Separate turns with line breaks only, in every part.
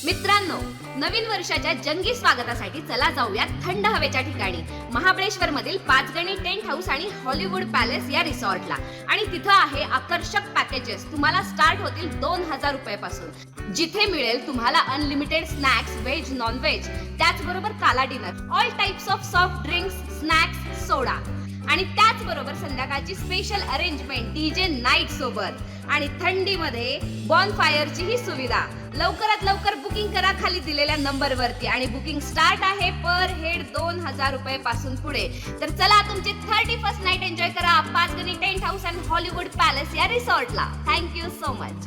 मित्रांनो, नवीन वर्षाच्या जंगी स्वागतासाठी चला जाऊया थंड हवेच्या ठिकाणी महाबळेश्वर मधील पाचगणी टेंट हाऊस आणि हॉलिवूड पॅलेस या रिसॉर्टला. आणि तिथं आहे आकर्षक पॅकेजेस. तुम्हाला स्टार्ट होतील 2000 रुपयापासून, जिथे मिळेल तुम्हाला unlimited snacks, veg non veg, त्याचबरोबर gala dinner, all types of soft drinks, snacks, soda, आणि त्याचबरोबर संध्याकाळची स्पेशल अरेंजमेंट डीजे नाईट सोबत आणि थंडीमध्ये बॉनफायरची ही सुविधा. लवकरात लवकर बुकिंग करा खाली दिलेल्या नंबरवरती, आणि बुकिंग स्टार्ट आहे पर हेड 2000 रुपये पासून पुढे. तर चला तुमची 31st नाईट एन्जॉय करा Panchgani tent house and Hollywood palace या रिसॉर्टला. Thank you so much.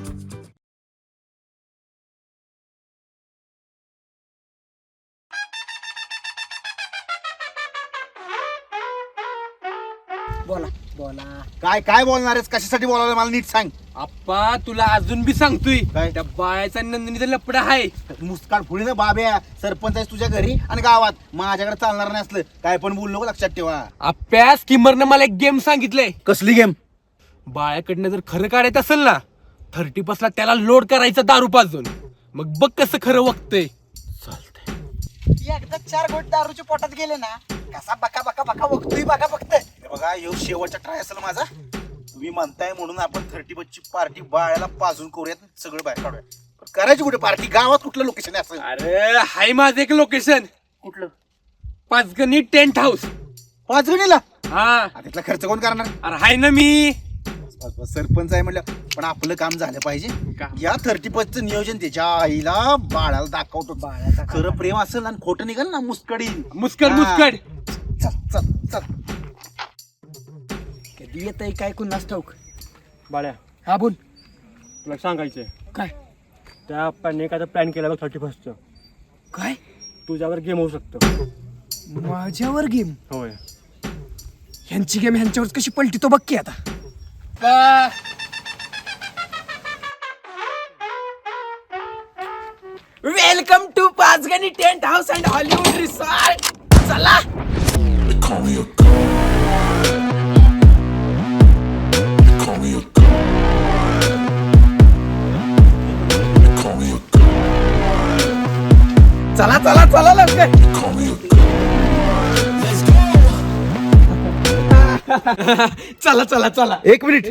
बोला बोला.
काय काय बोलणार आहेस? कशासाठी बोलायला मला नीट सांग.
आप्पा तुला अजून बी सांगतोय,
काय?
त्या बाळाचा नंदिनीचा लपडा आहे.
मुस्कान फुडी ना बाब्या, सरपंच आहेस तुझ्या घरी आणि गावात. माझ्याकडे चालणार नाही असलं काय पण बोलू नको, लक्षात ठेवा.
आप्प्या स्कीमरनं मला एक गेम सांगितलंय.
कसली गेम?
बाळाकडनं जर खरं काढायचं असेल ना, 30 ला त्याला लोड करायचं दारू पाजून. मग बघ कसं खरं वक्तय.
एकदा 4 घोट दारूच्या पोटात गेले ना, कसा बका बका बका बघतोय बघा फक्त.
हे बघा, ह्यो शेवटचा ट्राय असेल माझा. तुम्ही म्हणताय म्हणून आपण 30 पार्टी बाळाला पाजून करूयात, सगळं बाहेर काढूया. पण करायची कुठे पार्टी? गावात कुठलं लोकेशन आहे असं?
अरे हाय माझं एक लोकेशन,
कुठलं?
Panchgani tent house.
पाचगणीला?
हा
तिथला खर्च कोण करणार?
अरे हाय ना मी.
बस, सरपंच आहे म्हणलं, पण आपलं काम झालं पाहिजे.
का?
या 30 नियोजन त्याच्या आईला बाळाला दाखवतो.
बाळाचा
खरं प्रेम असेल आणि खोटं निघाल ना, मुस्कडी.
मुस्कड
हा.
मुस्कड.
चल चल चल.
कधी येतंय काय कुणास ठाऊक.
बाळ्या,
हा बोल.
तुला सांगायचंय,
काय
त्या आपण एखादा प्लॅन केला बघ 31st.
काय
तुझ्यावर गेम होऊ शकतं.
माझ्यावर गेम?
होय.
ह्यांची गेम ह्यांच्यावर कशी पलटी तो बघ की आता. Welcome to Panchgani tent house and Hollywood resort. चला. चला चला चला लवकर. चला चला चला.
एक मिनिट.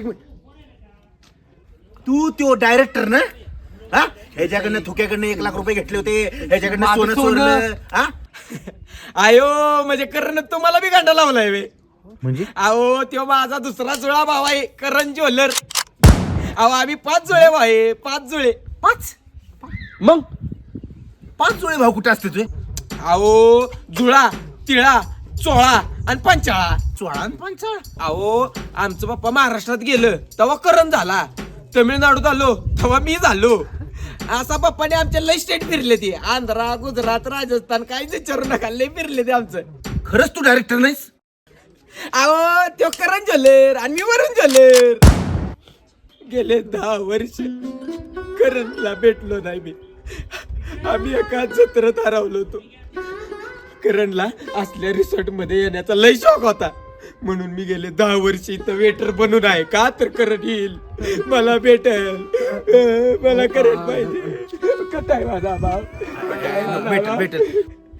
तू तो डायरेक्टर ना? हा, ह्याच्याकडनं थुक्याकडनं 1 लाख रुपये घेतले होते, ह्याच्याकडनं
माझं
सोनं
सोनं.
चोरलं. हा,
आयो म्हणजे करण तुम्हाला बी गांडा लावलाय वे.
म्हणजे
अहो तो माझा दुसरा जुळा भाव आहे, करण ज्वेलर. अहो आम्ही 5 जुळे भाऊ आहे, 5 जुळे. 5
मग 5 जुळे भाऊ कुठे असते तुझे?
अहो जुळा, तिळा, चोळा आणि पंचाळा.
चोळा आणि पंचाळ.
अहो आमचं पप्पा महाराष्ट्रात गेलं तेव्हा करण झाला, तमिळनाडूत आलो तेव्हा मी झालो. असा पप्पाने आमच्या लय स्टेट फिरले ते, आंध्रा, गुजरात, राजस्थान, काहीच विचारू नका, लय फिरले ते आमचं.
खरंच तू डायरेक्टर नाहीस?
अहो तो करण ज्वेलर आणि मी वरून ज्वेलर. गेले 10 वर्ष करणला भेटलो नाही मी. आम्ही एका जत्रेत हरवलो होतो. करणला असल्या रिसॉर्ट मध्ये येण्याचा लय शौक होता, म्हणून मी गेले 10 वर्ष इथं वेटर बनून आहे. का तर करण येईल, मला भेटेल, मला करण पाहिजे. कटाय माझा भाव,
भेटेल.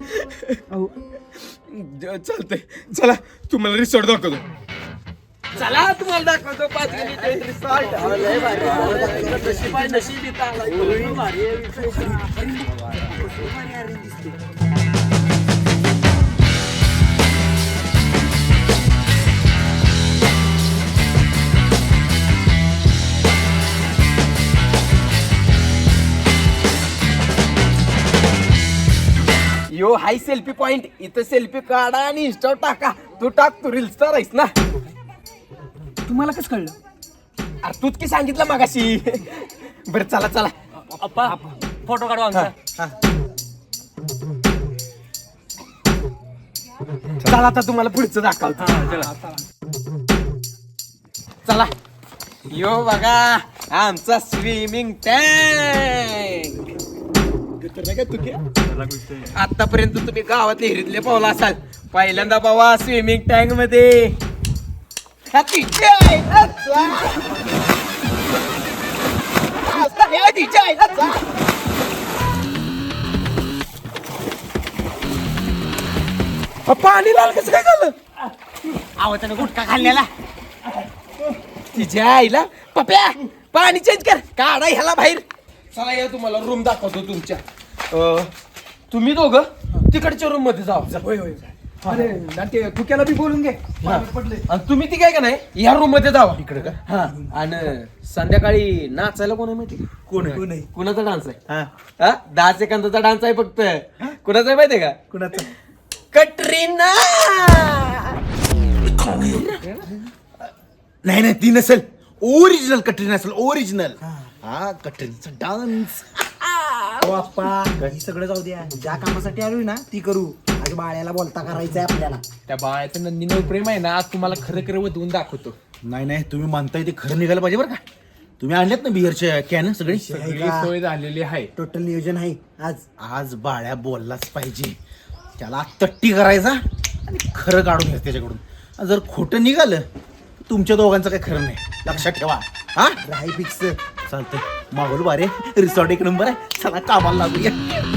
चालतंय. चला तुम्हाला रिसॉर्ट दाखवतो. चला तुम्हाला दाखवतो पाचगणी टेंट रिसॉर्ट. नशीब इथं आलाय. Yo hi selfie point. इथं सेल्फी काढा आणि इंस्टा टाका. तू टाक, तू रील स्टार आहेस ना. तुम्हाला कसं कळलं? अरे तूच की सांगितलं मागाशी. बरं चला चला.
अप्पा फोटो काढवा आमचा.
चला आता तुम्हाला पुढचं दाखवतो. चला. यो बघा आमचा स्विमिंग टँक. आतापर्यंत तुम्ही गावात विहिरीतले पावला असाल, पहिल्यांदा बाबा स्विमिंग टँक मध्ये. पाणी लाल कसं काय झालं
आहो त्यानं गुटखा खाल्लेला.
तिच्या आईला पप्या पाणी चेंज कर काढा ह्याला बाहेर. चला या तुम्हाला रूम दाखवतो तुमच्या. तुम्ही दोघं तिकडच्या रूम मध्ये जावा. होय होय. अरे नाट्य तुक्याला बी बोलून घे. आणि तुम्ही ती काय का नाही या रूम मध्ये जावा इकडे का. हा आणि संध्याकाळी नाचायला कोण आहे माहिती
कोण आहे?
कुणाचा डान्स आहे
हा.
हा 10 सेकंदाचा डान्स आहे फक्त. कुणाचा आहे माहितीये का
कुणाचं?
कटरीना.
नाही ती नसेल. ओरिजिनल कटरीना असेल. ओरिजिनल. हा कटरीनाचा डान्स.
ही सगळं जाऊ द्या. ज्या कामासाठी आलोय ना ती करू. आज बाळ्याला बोलता करायचंय आपल्याला.
त्या बाळाचं नंदीनं प्रेम आहे ना आज तुम्हाला खरं खरं वधवून दाखवतो.
नाही तुम्ही म्हणताय ते खरं निघायला पाहिजे बरं का. तुम्ही आणलेत ना बिअरच्या कॅन सगळी.
सगळी सोय झालेली आहे.
टोटल नियोजन आहे आज.
आज बाळ्या बोललाच पाहिजे. त्याला तट्टी करायचा आणि खरं काढून घ्यायचं त्याच्याकडून. जर खोटं निघालं तुमच्या दोघांचं काही खरं नाही. लक्षात ठेवा. हा
राही फिक्स.
चालतंय. माहोल बारे रिसॉर्ट एक नंबर आहे. चला कामाला लागूया.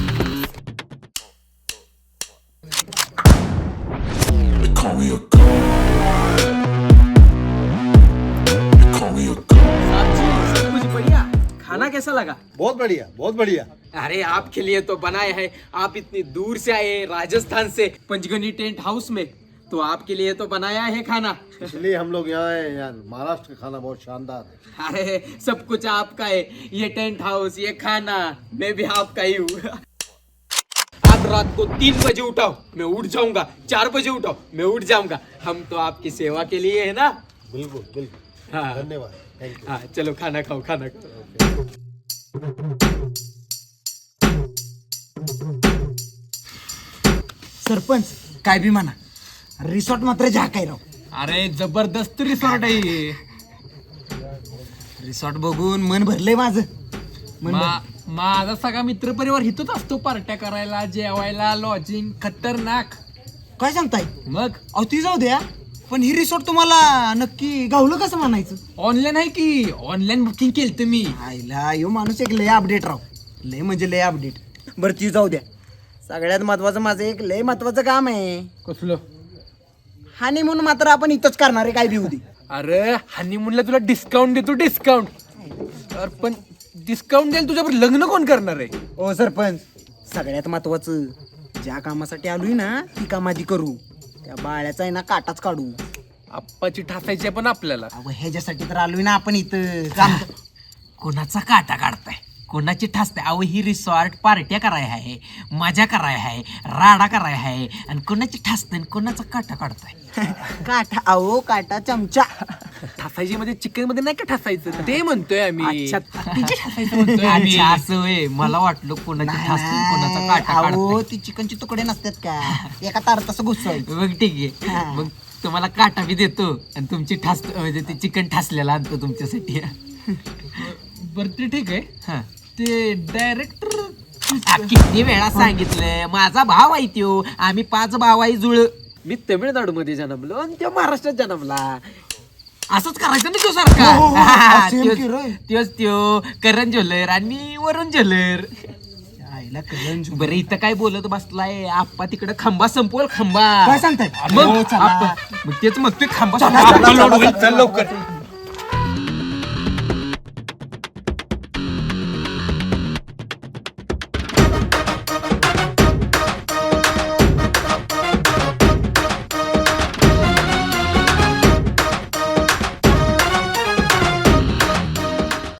खाना कैसा लगा?
बहुत बढ़िया, बहुत बढ़िया.
अरे आपके लिए तो बनाए हैं. आप इतनी दूर से आए राजस्थान से पंचगनी टेंट हाउस में, तो आपके लिए तो बनाया है खाना.
इसलिए हम लोग यहाँ आए हैं. यार महाराष्ट्र का खाना बहुत शानदार है.
अरे सब कुछ आपका है. ये टेंट हाउस, ये खाना, मैं भी आपका ही हूँ. आज रात को 3 बजे उठाओ मैं उठ जाऊंगा. 4 बजे उठाओ मैं उठ जाऊंगा. हम तो आपकी सेवा के लिए है ना.
बिल्कुल बिल्कुल.
हाँ
धन्यवाद. Thank you.
हाँ चलो खाना खाओ खाना खाओ.
सरपंच काय बी म्हणा रिसॉर्ट मात्र झाकाय राव.
अरे जबरदस्त रिसॉर्ट आहे.
रिसॉर्ट बघून मन भरलंय माझं.
माझा सगळा मित्र परिवार इथंच असतो पार्ट्या करायला जेवायला लॉजिंग खतरनाक.
काय सांगताय?
मग
अहो ती जाऊ द्या पण ही रिसॉर्ट तुम्हाला नक्की गावलं कसं म्हणायचं?
ऑनलाईन आहे की ऑनलाईन बुकिंग केलं मी.
आईला यो माणूस एक लय अपडेट राव. लय म्हणजे लय अपडेट. बरं ती जाऊ द्या. सगळ्यात महत्वाचं माझं एक लय महत्वाचं काम आहे.
कसलं?
हानिमून मात्र आपण इथंच करणार आहे. काय बी होती.
अरे हनीमूनला तुला डिस्काउंट देतो डिस्काउंट. अरे पण डिस्काउंट द्यायला तुझ्यावर लग्न कोण करणार आहे?
ओ सरपंच सगळ्यात महत्वाचं ज्या कामासाठी आलोय ना ती काम आधी करू. त्या बाळ्याचा आहे ना काटाच काढू.
आप्पाची ठासायची आहे पण आपल्याला.
अहो ह्याच्यासाठी तर आलोय ना आपण इथं.
कोणाचा काटा काढताय कोणाची ठासताय. अहो ही रिसॉर्ट पार्ट्या कराय आहे मजा कराय आहे राडा कराय आहे आणि कोणाची ठासताय कोणाचा काटा काढताय.
काटा अहो काटा चमचा.
ठासायची मध्ये चिकन मध्ये नाही का ठासायचं ते म्हणतोय आम्ही.
अच्छा.
तिच्या ठासायचं म्हणतोय आम्ही.
अच्छा असं होय. मला वाटलं कोणाची ठासताय कोणाचा काटा
अहो
काढताय.
ती चिकनचे तुकडे नसतात का एका तारात तसं घुसवायचं.
मग ठीक
हा.
आहे. मग तुम्हाला काटा बी देतो आणि तुमची ठास म्हणजे ते चिकन ठासलेला आणतो तुमच्यासाठी.
बरं ते ठीक आहे.
हा.
ते डायरेक्टर
किती वेळा सांगितलंय माझा भाव आहे त्यो. आम्ही 5 भाव आहे जुळ.
मी तमिळनाडू मध्ये जन्मलो आणि तो महाराष्ट्रात जन्मला.
असंच करायचं ना तो
हो,
सारखा.
same की रे.
त्योच त्यो करण ज्वेलर आणि मी वरुण ज्वेलर.
आईला कळलं.
बरं इथं काय बोलत बसलाय आप्पा तिकडे खांबा संपवल खांबा.
काय सांगताय?
मग
हो, चला.
आप्पा- मग तेच मग ते खांबा
चला,
संपवल.
चला, चला,
चल लवकर.